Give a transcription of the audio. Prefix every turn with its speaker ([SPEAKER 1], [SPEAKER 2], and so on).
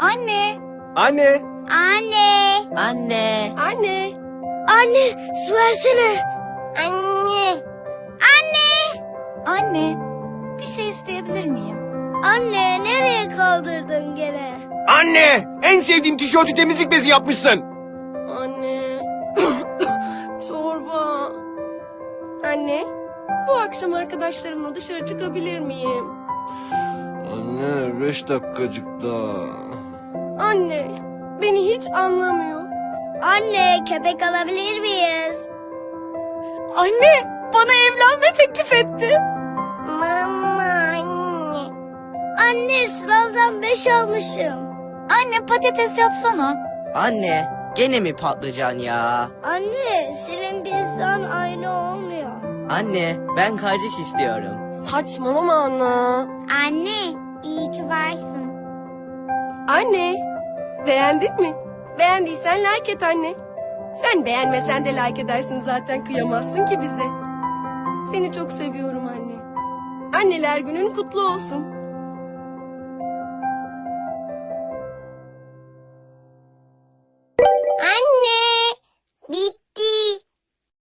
[SPEAKER 1] Anne.
[SPEAKER 2] Anne.
[SPEAKER 3] Anne.
[SPEAKER 4] Anne.
[SPEAKER 3] Anne. Anne, su versene. Anne. Anne.
[SPEAKER 1] Anne. Bir şey isteyebilir miyim?
[SPEAKER 3] Anne, nereye kaldırdın gene?
[SPEAKER 2] Anne. En sevdiğim tişörtü temizlik bezi yapmışsın.
[SPEAKER 5] Anne. Çorba. Anne, bu akşam arkadaşlarımla dışarı çıkabilir miyim?
[SPEAKER 2] Anne 5 dakikacık daha.
[SPEAKER 5] Anne, beni hiç anlamıyor.
[SPEAKER 3] Anne, köpek alabilir miyiz?
[SPEAKER 1] Anne bana evlenme teklif etti.
[SPEAKER 3] Mama anne. Anne, sınavdan 5 almışım.
[SPEAKER 1] Anne patates yapsana.
[SPEAKER 4] Anne. Gene mi patlıcan ya?
[SPEAKER 3] Anne, senin pizzan aynı olmuyor.
[SPEAKER 4] Anne ben kardeş istiyorum.
[SPEAKER 5] Saçmalama Anna.
[SPEAKER 3] Anne, iyi ki varsın.
[SPEAKER 5] Anne, beğendin mi? Beğendiysen like et anne. Sen beğenmesen de like edersin zaten, kıyamazsın ki bize. Seni çok seviyorum anne. Anneler günün kutlu olsun.